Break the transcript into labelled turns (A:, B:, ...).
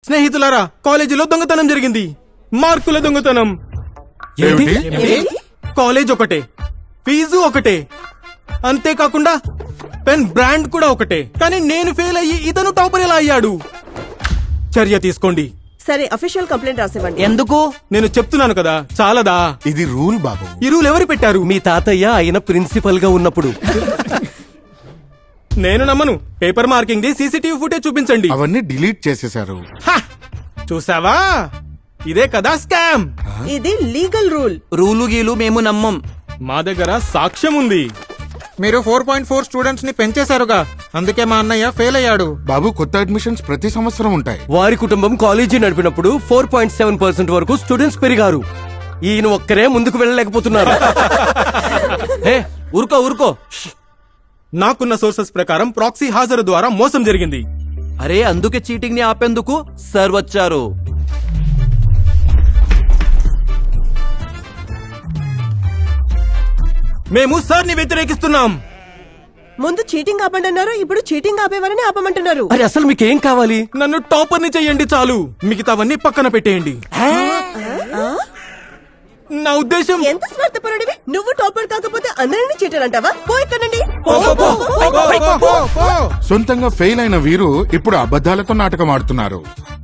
A: స్నేహితులారా, కాలేజీలో దొంగతనం జరిగింది. మార్కుల దొంగతనం. కాలేజ్ ఒకటే, ఫీజు ఒకటే, అంతేకాకుండా పెన్ బ్రాండ్ కూడా ఒకటే. కానీ నేను ఫెయిల్ అయ్యి ఇతను టాపర్ ఎలా అయ్యాడు? చర్య తీసుకోండి.
B: సరే, అఫీషియల్ కంప్లైంట్ రాసివ్వండి.
C: ఎందుకు?
A: నేను చెప్తున్నాను కదా, చాలదా?
D: ఇది రూల్ బాబు.
A: ఈ రూల్ ఎవరు పెట్టారు?
C: మీ తాతయ్య ఆయన ప్రిన్సిపల్ గా ఉన్నప్పుడు.
A: నేను నమ్మను. Paper marking the CCTV footage చూపించండి.
D: అవన్నీ డిలీట్ చేసేశారు.
A: హ! చూసావా, ఇదే కదా స్కామ్.
B: ఇది లీగల్ రూల్.
C: రూలు గీలు మేము నమ్మం.
A: మా దగ్గర సాక్ష్యం ఉంది.
E: మీరు 4.4 స్టూడెంట్స్ ని పెంచేశారుగా, అందుకే మా అన్నయ్య ఫెయిల్ అయ్యాడు.
D: బాబు, కొత్త అడ్మిషన్స్ ప్రతి సంవత్సరం ఉంటాయి.
C: వారి కుటుంబం కాలేజీ నడిపినప్పుడు 4.7% వరకు స్టూడెంట్స్ పెరిగారు. ఈయన ఒక్కరే ముందుకు వెళ్ళలేకపోతున్నారు. హే, ఊరుకో ఊరుకో.
A: నాకున్న సోర్సెస్ ప్రకారం ప్రాక్సీ హాజరు ద్వారా మోసం జరిగింది.
C: అరే, అందుకే చీటింగ్ ని ఆపేందుకు సార్ వచ్చారు.
A: మేము సార్ ని వ్యతిరేకిస్తున్నాం.
B: ముందు చీటింగ్ ఆపండి అన్నారు, ఇప్పుడు చీటింగ్ ఆపేవారని ఆపమంటున్నారు.
C: అరే, అసలు మీకేం కావాలి?
A: నన్ను టాపర్ ని చెయ్యండి చాలు, మిగతావన్నీ పక్కన పెట్టేయండి. నా ఉద్దేశం,
B: ఎంత స్వార్థపరుడివి నువ్వు. టాపర్ కాకపోతే అందరినీ చీటర్ అంటావా? పోయిక్కడండి.
D: సొంతంగా ఫెయిల్ అయిన వీరు ఇప్పుడు అబద్ధాలతో నాటకం ఆడుతున్నారు.